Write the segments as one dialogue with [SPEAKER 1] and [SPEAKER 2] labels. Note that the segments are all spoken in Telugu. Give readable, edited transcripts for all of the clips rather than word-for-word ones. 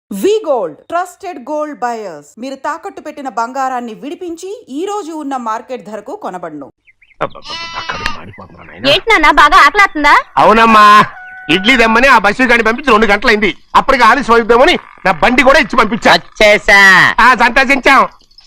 [SPEAKER 1] వి గోల్డ్ ట్రస్టెడ్ గోల్డ్ బయర్స్ మీరు తాకట్టు పెట్టిన బంగారాన్ని విడిపించి ఈ రోజు ఉన్న మార్కెట్ ధరకు కొనబడును.
[SPEAKER 2] ఏంటన్నా బాగా ఆకలాతుందా?
[SPEAKER 3] అవునమ్మా, ఇడ్లీ దమ్మని ఆ బస్సు గాని పంపించి 2 గంటలైంది. అప్పటికి ఆలస్యం అవుతామని నా బండి కూడా ఇచ్చి పంపించా. సంతోషించాం.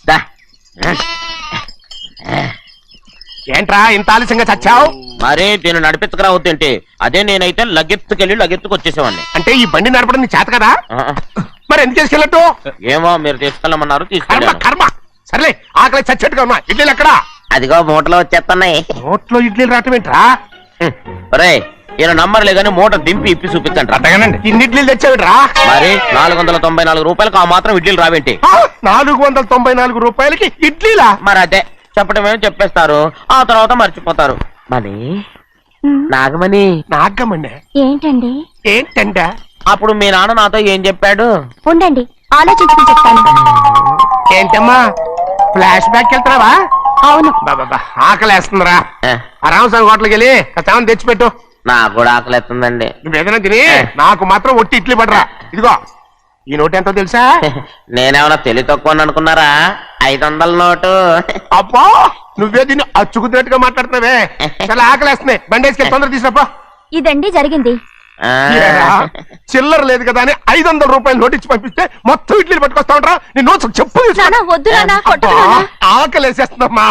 [SPEAKER 3] ఏంట్రా ఇంత ఆలస్యంగా చచ్చావు?
[SPEAKER 4] మరే దీన్ని నడిపించకరావద్దేంటి? అదే నేనైతే లగెత్తుకెళ్ళి లగెత్తుకు వచ్చేసేవాడిని.
[SPEAKER 3] అంటే ఈ బండి నడపడం నీ చేత కదా? మరి ఎందుకు చేసుకెళ్ళట్టు?
[SPEAKER 4] ఏమో మీరు తీసుకెళ్ళమన్నారు, తీసుకెళ్ళాను.
[SPEAKER 3] కర్మ. సర్లే, ఆకలి చచ్చేట్టుగా ఉన్నా. ఇడ్లీలు ఎక్కడా?
[SPEAKER 4] అదిగో మూటలో వచ్చేస్తున్నాయి.
[SPEAKER 3] నోట్లో ఇడ్లీలు రావటం ఏంట్రా?
[SPEAKER 4] రే ఈయన నంబర్లే గానీ మూట దింపి ఇప్పి చూపించండి.
[SPEAKER 3] అట్టగానండి. ఇన్ని ఇడ్లీలు తెచ్చావిడ్రా?
[SPEAKER 4] మరి 494 రూపాయలకు ఆ మాత్రం ఇడ్లీలు రావేంటి?
[SPEAKER 3] 494 రూపాయలకి ఇడ్లీలా?
[SPEAKER 4] మరి అదే చెప్పడమేమో చెప్పేస్తారు, ఆ తర్వాత మర్చిపోతారు. మరి నాగమణి
[SPEAKER 3] నాగమణి
[SPEAKER 2] ఏంటండి?
[SPEAKER 3] ఏంటంట?
[SPEAKER 4] అప్పుడు మీ నాన్న నాతో ఏం చెప్పాడు?
[SPEAKER 2] ఉండండి ఆలోచించుకుని చెప్తాను.
[SPEAKER 3] ఏంటమ్మా ఫ్లాష్ బ్యాక్ వెళ్తున్నావా?
[SPEAKER 2] అవును.
[SPEAKER 3] బాబా ఆకలేస్తుందిరా. ఆ రామస్వామి హోటల్కి వెళ్ళి కాస్త తెచ్చిపెట్టు.
[SPEAKER 4] నాకు కూడా ఆకలిస్తుందండి.
[SPEAKER 3] నువ్వేదైనా తిని నాకు మాత్రం ఒట్టి ఇడ్లీ పడరా. ఇదిగో ఈ నోటు ఎంతో తెలుసా?
[SPEAKER 4] నేనేమన్నా తెలివి తక్కువ అనుకున్నారా? 500 నోటు.
[SPEAKER 3] అబ్బా నువ్వే దీన్ని అచ్చుకుతున్నట్టుగా మాట్లాడుతున్నావే. చాలా ఆకలేస్తున్నాయి. బండేసుకెళ్ళి తొందర తీసినప్పా.
[SPEAKER 2] ఇదండి జరిగింది.
[SPEAKER 3] చిల్లర లేదు కదా అని 500 రూపాయలు నోటిచ్చి పంపిస్తే మొత్తం ఇడ్లీలు పట్టుకొస్తా ఉంటా. నీ నోట్స్ చెప్పు. ఆకలేసేస్తుందమ్మా.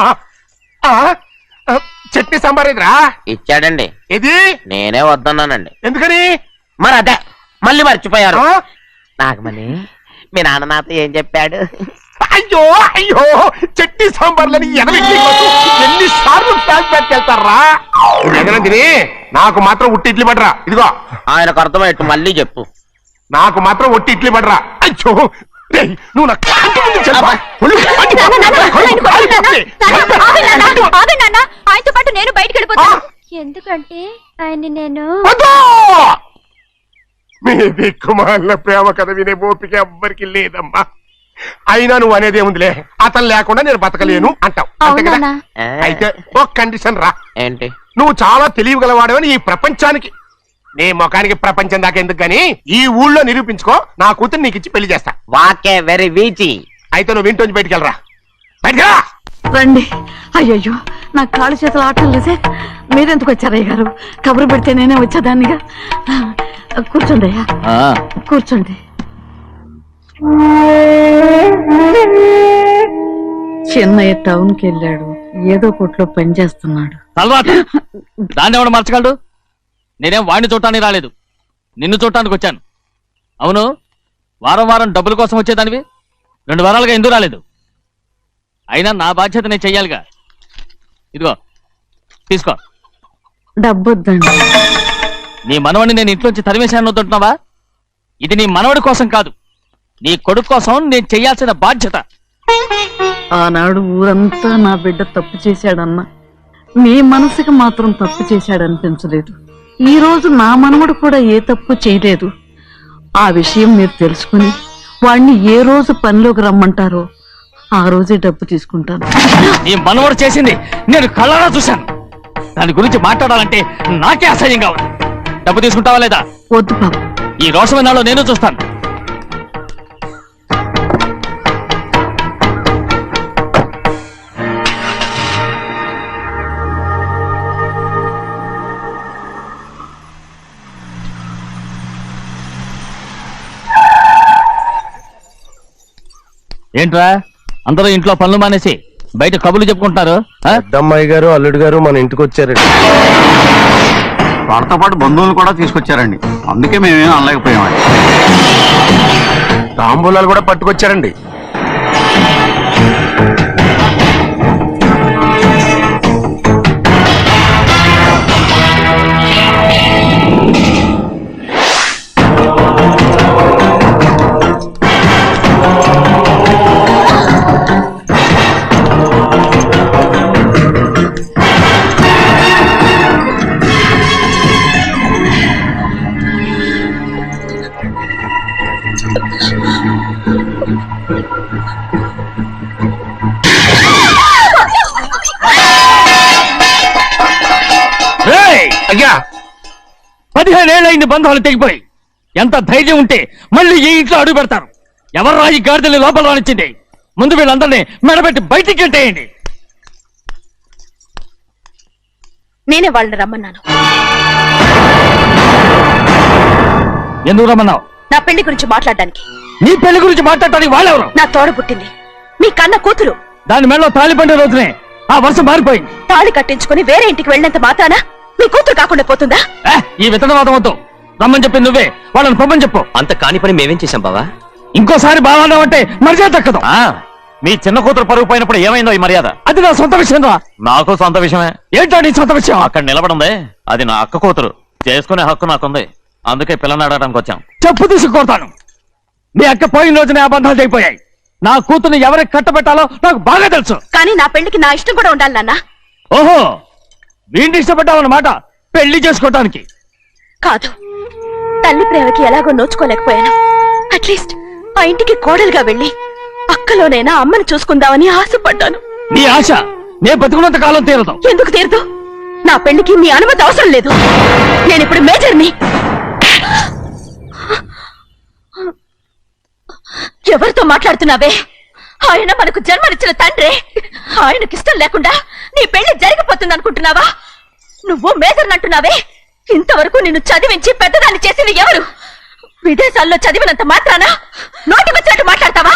[SPEAKER 3] చట్నీ సాంబార్ ఇదిరా?
[SPEAKER 4] ఇచ్చాడండి.
[SPEAKER 3] ఇది
[SPEAKER 4] నేనే వద్దన్నానండి.
[SPEAKER 3] ఎందుకని? మరి
[SPEAKER 4] అదే మళ్ళీ మర్చిపోయారు. నాగమణి మీ నాన్న నాతో ఏం చెప్పాడు?
[SPEAKER 3] అయ్యో అయ్యో చట్నీ సాంబార్లని ఎన్నిసార్లు ప్యాక్ పెట్టుకెళ్తారా? తిని నాకు మాత్రం ఉట్టి ఇడ్లీ పడరా. ఇదిగో
[SPEAKER 4] ఆయనకు అర్థమయ్యట్టు మళ్ళీ చెప్పు.
[SPEAKER 3] నాకు మాత్రం ఒట్టి ఇడ్లీ పడరా. అయ్యో నువ్వు
[SPEAKER 2] ఆయనతో పాటు నేను బయటకు వెళ్ళిపోతాను. ఎందుకంటే ఆయన్ని నేను
[SPEAKER 3] మీ దిక్కుమాల ప్రేమ కథ వినే ఓపిక ఎవ్వరికి లేదమ్మా. అయినా నువ్వు అనేది ఏముందిలే, అతను లేకుండా నేను బతకలేను అంటావు అంతే కదా? అయితే ఒక కండిషన్ రా.
[SPEAKER 4] ఏంటి?
[SPEAKER 3] నువ్వు చాలా తెలియగలవాడవని ఈ ప్రపంచానికి, నీ ముఖానికి ప్రపంచం దాకా ఎందుకు గాని ఈ ఊళ్ళో నిరూపించుకో. నా కూతురు నీకు ఇచ్చి పెళ్లి చేస్తా.
[SPEAKER 4] వాకే వెరీ వీచి.
[SPEAKER 3] అయితే నువ్వు ఇంటి బయటికి వెళ్ళరా. బయటకెళ్ళా
[SPEAKER 5] రండి. అయ్యయ్యో నా కాళ్ళు చేతులు ఆటం లేదే. మీరెందుకు వచ్చారయ్య గారు? కబురు పెడితే నేనే వచ్చేదాన్నిగా. కూర్చోండి అయ్యా, కూర్చోండి. చిన్నయ్య టౌన్ కి వెళ్ళాడు, ఏదో కొట్లో పని చేస్తున్నాడు.
[SPEAKER 6] దాన్ని ఎవడు మర్చగలడు? నేనేం వాడిని చూడటానికి రాలేదు, నిన్ను చూడటానికి వచ్చాను. అవును, వారం వారం డబ్బుల కోసం వచ్చేదానివి 2 వారాలుగా ఎందుకు రాలేదు? అయినా నా బాధ్యత నేను చెయ్యాలిగా. ఇదిగో తీసుకో.
[SPEAKER 5] డబ్బొద్దండి.
[SPEAKER 6] నీ మనవడిని నేను ఇంట్లోంచి తరిమేశాను వద్దంటున్నావా? ఇది నీ మనవడి కోసం కాదు, నీ కొడుకు కోసం నేను చెయ్యాల్సిన బాధ్యత.
[SPEAKER 5] ఆనాడు ఊరంతా నా బిడ్డ తప్పు చేశాడన్నా, మీ మనసుకి మాత్రం తప్పు చేశాడనిపించలేదు. ఈ రోజు నా మనవడు కూడా ఏ తప్పు చేయలేదు. ఆ విషయం మీరు తెలుసుకుని వాణ్ణి ఏ రోజు పనిలోకి రమ్మంటారో ఆ రోజే డబ్బు తీసుకుంటాను.
[SPEAKER 6] నీ మనవడు చేసింది నేను కళ్ళారా చూశాను. దాని గురించి మాట్లాడాలంటే నాకే అసహ్యంగా ఉంది. డబ్బు తీసుకుంటావా లేదా?
[SPEAKER 5] వద్దు బాబు.
[SPEAKER 6] ఈ రోషమైనాలో నేను చూస్తాను. ఏంట్రా అందరూ ఇంట్లో పనులు మానేసి బయట కబుర్లు చెప్పుకుంటున్నారు?
[SPEAKER 3] పెద్దమ్మాయి గారు అల్లుడు గారు మన ఇంటికి వచ్చారండి.
[SPEAKER 7] వారితో పాటు బంధువులు కూడా తీసుకొచ్చారండి, అందుకే మేమేం అనలేకపోయామండి.
[SPEAKER 3] తాంబూలాలు కూడా పట్టుకొచ్చారండి.
[SPEAKER 6] అయ్యా 15 ఏళ్ళైంది బంధాలు తెగిపోయి. ఎంత ధైర్యం ఉంటే మళ్ళీ ఈ ఇంట్లో అడుగు పెడతారు? ఎవరు ఈ గాడిదల్ని లోపల రానిచ్చింది? ముందు వీళ్ళందరినీ మెడబెట్టి బయటికి గెట్టేయండి.
[SPEAKER 2] నేనే వాళ్ళని రమ్మన్నాను.
[SPEAKER 6] ఎందుకు రమ్మన్నావు?
[SPEAKER 2] నా పెళ్లి గురించి మాట్లాడడానికి.
[SPEAKER 6] నీ పెళ్లి గురించి మాట్లాడటానికి వాళ్ళెవరు?
[SPEAKER 2] నా తోడ పుట్టింది, మీ కన్న కూతురు.
[SPEAKER 6] దాని మెడలో తాళి పండే రోజునే ఆ వర్షం మారిపోయింది.
[SPEAKER 2] తాళి కట్టించుకుని వేరే ఇంటికి వెళ్ళినంత మాత్రాన మీ కూతురు కాకుండా పోతుందా?
[SPEAKER 6] ఈ విత్తనవాదం వద్దు. రమ్మని చెప్పి నువ్వే వాళ్ళని పొమ్మని చెప్పు.
[SPEAKER 8] అంత కాని పని మేమేం చేశాం బావా?
[SPEAKER 6] ఇంకోసారి బాగున్నావు అంటే మర్యాద దక్కదు.
[SPEAKER 4] మీ చిన్న కూతురు పరుగు పోయినప్పుడు ఏమైందో ఈ మర్యాద?
[SPEAKER 6] అది నా సొంత విషయం రా.
[SPEAKER 4] నాకు సొంత విషయమే.
[SPEAKER 6] ఏంటో నీ సొంత విషయం?
[SPEAKER 4] అక్కడ నిలబడిందే అది నా అక్క కూతురు. చేసుకునే హక్కు నాకుంది. అందుకే పిల్లని అడగడానికి వచ్చాం.
[SPEAKER 6] చెప్పు తీసుకొడతాను. మీ అక్క పోయిన రోజునే అబద్ధాలు అయిపోయాయి. నా కూతుర్ని ఎవరికి కట్టబెట్టాలో నాకు బాగా తెలుసు.
[SPEAKER 2] కానీ నా పెళ్లికి నా ఇష్టం కూడా ఉండాలి నాన్న.
[SPEAKER 6] ఓహో, వీడిని ఇష్టపడ్డావన్నమాట పెళ్లి చేసుకోవటానికి.
[SPEAKER 2] కాదు, తల్లి ప్రేమకి ఎలాగో నోచుకోలేకపోయాను. అట్లీస్ట్ ఆ ఇంటికి కోడలుగా వెళ్ళి అక్కలోనైనా అమ్మని చూసుకుందామని ఆశపడ్డాను.
[SPEAKER 6] నీ ఆశ నే బతుకున్నంత కాలం తీరదు.
[SPEAKER 2] ఎందుకు తీరదు? నా పెళ్లికి మీ అనుమతి అవసరం లేదు. నేను ఇప్పుడు మేజర్ని. ఎవరితో మాట్లాడుతున్నావే? ఆయన మనకు జన్మనిచ్చిన తండ్రి. ఆయనకిష్టం లేకుండా నీ పెళ్లి జరిగిపోతుంది అనుకుంటున్నావా? నువ్వు మేజర్ అంటున్నావే. ఇంతవరకు నిన్ను చదివించి పెద్దదాన్ని చేసింది ఎవరు? విదేశాల్లో చదివినంత మాత్రాన నోటి వచ్చినట్టు మాట్లాడతావా?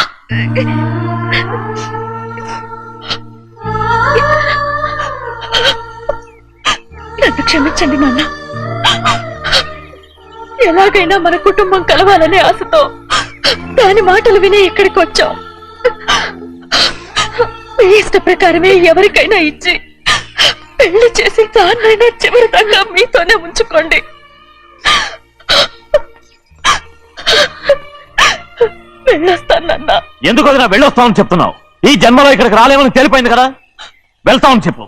[SPEAKER 2] నన్ను క్షమించండి నాన్న. ఎలాగైనా మన కుటుంబం కలవాలనే ఆశతో దాని మాటలు విని ఇక్కడికి వచ్చాం. మీ ఇష్ట ప్రకారమే ఎవరికైనా ఇచ్చి పెళ్లి చేసి దాన్నైనా చివరి దాకా మీతోనే ఉంచుకోండి. వెళ్ళొస్తానన్నా.
[SPEAKER 4] ఎందుకు వదినా వెళ్ళొస్తామని చెప్తున్నావు? ఈ జన్మలో ఇక్కడికి రాలేమని తెలిపోయింది కదా. వెళ్తామని చెప్పు.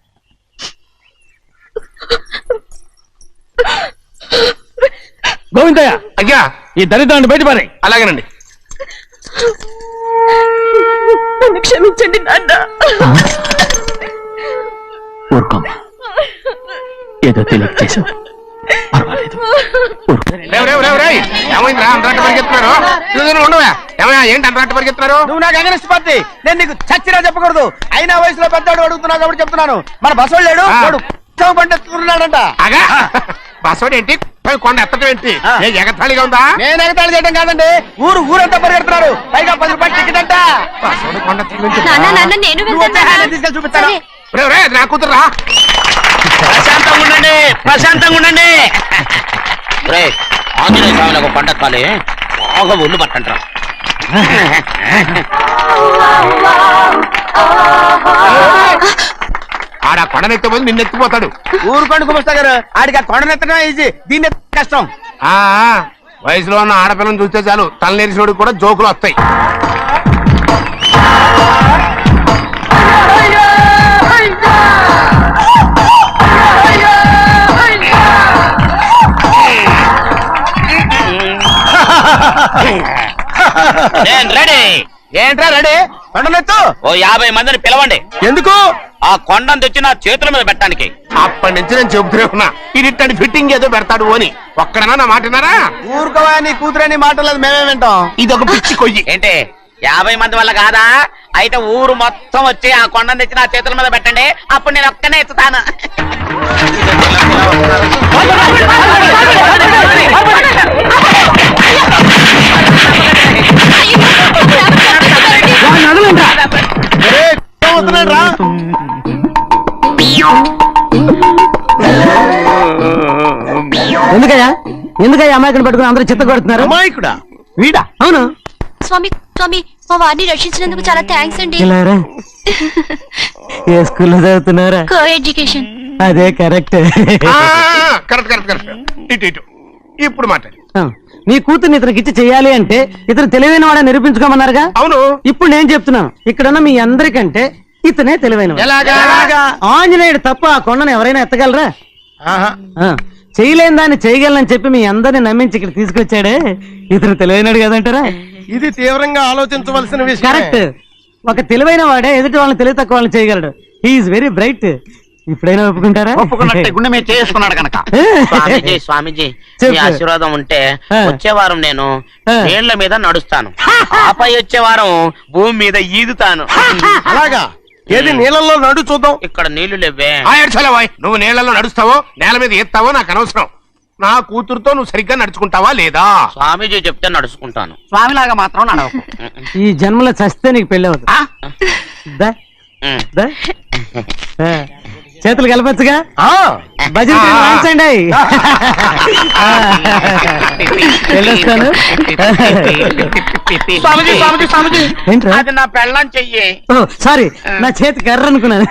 [SPEAKER 6] గోవిందయ్య,
[SPEAKER 3] అయ్యా
[SPEAKER 6] ఈ దరిద్రాన్ని బయటపడే.
[SPEAKER 3] అలాగేనండి.
[SPEAKER 2] నన్ను క్షమించండి నాన్న.
[SPEAKER 8] ఊరుకోమ్మా, ఏదో తెలియక చేసావు, పర్వాలేదు.
[SPEAKER 3] ఏమైందిరా అంతరాట పరిగెత్తున్నారు? ఉండవా? ఏమయ్యా ఏంటి అంతరాట పరిగెత్తున్నారు?
[SPEAKER 9] నువ్వు నాకు అగనిస్ట్ పార్టీ. నేను నీకు చచ్చిరా చెప్పకూడదు. అయినా వయసులో పెద్దవాడు అడుగుతున్నావు కాబట్టి చెప్తున్నాను. మన బసోడు లేడు, వాడు పండిస్తున్నాడంట.
[SPEAKER 3] అగా బస్సోడు ఏంటి? కొండ ఎత్తడం ఏంటి? ఏ ఎగతాళిగా ఉందా?
[SPEAKER 9] నేను ఎగతాళి చేయడం కాదండి, ఊరంతా పరిగెడుతున్నారు. పైగా 10 రూపాయలు టికెట్ అంట.
[SPEAKER 3] బస్సోడు కొండ
[SPEAKER 2] నేను
[SPEAKER 9] నువ్వు వచ్చే హ్యాండ్ తీసుకెళ్ళి చూపిస్తాను.
[SPEAKER 3] నా కూతురా.
[SPEAKER 4] ప్రశాంతంగా ఉండండి, ప్రశాంతంగా ఉండండి. ఆంజనేయ స్వామి ఒక పంట కాలే బాగా ఒళ్ళు పట్టంటారా.
[SPEAKER 3] ఆడ కొండనెత్తిపోయి నిన్నెత్తిపోతాడు.
[SPEAKER 9] ఊరుకోండి కుమస్తా గారు, ఆడికి ఆ కొండనెత్తడం ఈజీ, దీన్ని కష్టం.
[SPEAKER 3] ఆ వయసులో ఉన్న ఆడపిల్లని చూస్తే చాలు తలనేరిసినోడికి కూడా జోకులు వస్తాయి.
[SPEAKER 4] నేను రెడీ.
[SPEAKER 9] ఏంట్రా రెడీ? కొండనెత్తు.
[SPEAKER 4] ఓ 50 మందిని పిలవండి.
[SPEAKER 9] ఎందుకు?
[SPEAKER 4] ఆ కొండను తెచ్చి నా చేతుల మీద పెట్టడానికి.
[SPEAKER 3] అప్పటి నుంచి నేను చెబుతూనే ఉన్నా ఇది ఫిట్టింగ్ ఏదో పెడతాడు అని. ఒక్కడనా నా మాటనారా?
[SPEAKER 9] ఊరుకోవా, నీ కూతురని మాటలేదు, మేమే వింటాం.
[SPEAKER 3] ఇది ఒక పిచ్చి కొయ్యి.
[SPEAKER 4] ఏంటి 50 మంది వల్ల కాదా? అయితే ఊరు మొత్తం వచ్చి ఆ కొండను తెచ్చి నా చేతుల మీద పెట్టండి. అప్పుడు నేను ఒక్కనే ఎత్తుతాను.
[SPEAKER 9] ఏమవుతున్నాడు రా?
[SPEAKER 5] ఎందుకయ్యా అమాయకుని పట్టుకుని అందరూ చిత్త కొడుతున్నారు?
[SPEAKER 9] అమాయకుడా? వీడా?
[SPEAKER 5] అవును.
[SPEAKER 2] స్వామి స్వామి, మా వారిని రక్షించినందుకు చాలా థ్యాంక్స్ అండి.
[SPEAKER 5] ఏ స్కూల్లో చదువుతున్నారా?
[SPEAKER 2] Coeducation.
[SPEAKER 5] అదే కరెక్ట్.
[SPEAKER 3] Correct correct correct. ఇటు ఇప్పుడు మాట్లాడు.
[SPEAKER 5] నీ కూతుర్ని ఇతనికి ఇచ్చి చెయ్యాలి అంటే ఇతను తెలివైన వాడని నిరూపించుకోమన్నారుగా.
[SPEAKER 3] అవును.
[SPEAKER 5] ఇప్పుడు నేను చెప్తున్నాను, ఇక్కడున్న మీ అందరికంటే ఇతనే తెలివైన.
[SPEAKER 3] ఎలాగా?
[SPEAKER 5] ఆంజనేయుడు తప్ప ఆ కొండను ఎవరైనా ఎత్తగలరా? చేయలేని దాన్ని చేయగలనని చెప్పి మీ అందరిని నమ్మించి ఇక్కడ తీసుకొచ్చాడే, ఇతను తెలివైనడు కదంటారా?
[SPEAKER 9] ఇది తీవ్రంగా ఆలోచించవలసిన విషయం.
[SPEAKER 5] కరెక్ట్. ఒక తెలివైన వాడే ఎదుటి వాళ్ళని తెలివి తక్కువ వాళ్ళని చేయగలడు. He is very bright.
[SPEAKER 8] ఇప్పుడైనా ఒప్పుకుంటారా?
[SPEAKER 7] ఒప్పుకున్నట్టే గుండె మీద చేసుకున్నాడు కనుక.
[SPEAKER 4] స్వామీజీ స్వామీజీ మీ ఆశీర్వాదం ఉంటే వచ్చే వారం నేను నీళ్ల మీద నడుస్తాను, ఆపై వచ్చే వారం భూమి మీద ఈదుతాను.
[SPEAKER 9] అలాగా? ఏది నీళ్ళల్లో నడు చూద్దాం.
[SPEAKER 4] ఇక్కడ నీళ్లు లేవే.
[SPEAKER 3] నువ్వు నీళ్లలో నడుస్తావో నేల మీద ఎత్తావో నాకు అనవసరం. నా కూతురుతో నువ్వు సరిగ్గా నడుచుకుంటావా లేదా?
[SPEAKER 4] స్వామీజీ చెప్తే నడుచుకుంటాను.
[SPEAKER 7] స్వామిలాగా మాత్రం నడవకు.
[SPEAKER 8] ఈ జన్మలో చస్తే నీకు పెళ్ళి అవుతుంది. దా, దా. చేతులు కలపచ్చుగా? భజన వాయించండి. వెళ్ళొస్తాను.
[SPEAKER 4] స్వామీజీ స్వామీజీ స్వామీజీ
[SPEAKER 8] ఏంట్రా?
[SPEAKER 4] అది నా పెళ్ళం చెయ్యి.
[SPEAKER 8] సారీ, నా చేతి కర్ర అనుకున్నాను.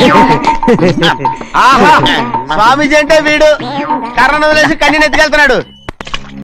[SPEAKER 9] ఆహా, స్వామీజీ అంటే వీడు కర్రను వదిలేసి కన్నీని ఎత్తుకెళ్తున్నాడు.